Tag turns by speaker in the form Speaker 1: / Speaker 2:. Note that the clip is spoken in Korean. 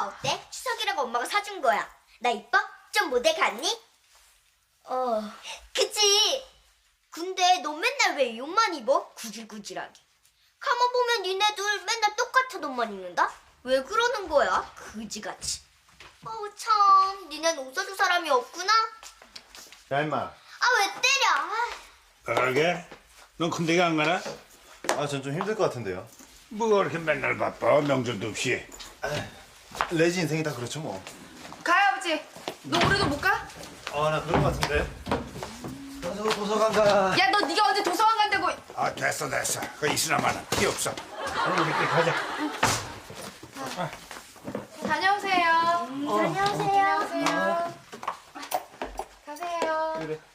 Speaker 1: 어때? 추석이라고 엄마가 사준 거야. 나 이뻐? 좀 모델 같니? 그치? 근데 너 맨날 왜 이 옷만 입어? 구질구질하게. 가만 보면 니네들 맨날 똑같은 옷만 입는다? 왜 그러는 거야? 그지같이. 어우 참, 니넨 옷 사줄 사람이 없구나?
Speaker 2: 야 임마.
Speaker 1: 아 왜 때려?
Speaker 3: 그러게? 넌 군대에 안 가나?
Speaker 2: 아 전 좀 힘들 것 같은데요.
Speaker 3: 뭐가 그렇게 맨날 바빠 명절도 없이.
Speaker 2: 레지 인생이 다 그렇죠 뭐.
Speaker 4: 가요 아버지. 너 올해도 못 가?
Speaker 2: 아 나 그럴 것 같은데. 저 도서관 가.
Speaker 4: 야 너 네가 언제 도서관 간다고?
Speaker 3: 아 됐어. 그 있으나마나 필요 없어. 우리 그때 가자.
Speaker 4: 다녀오세요.
Speaker 1: 다녀오세요.
Speaker 4: 다녀오세요. 가세요.
Speaker 2: 그래.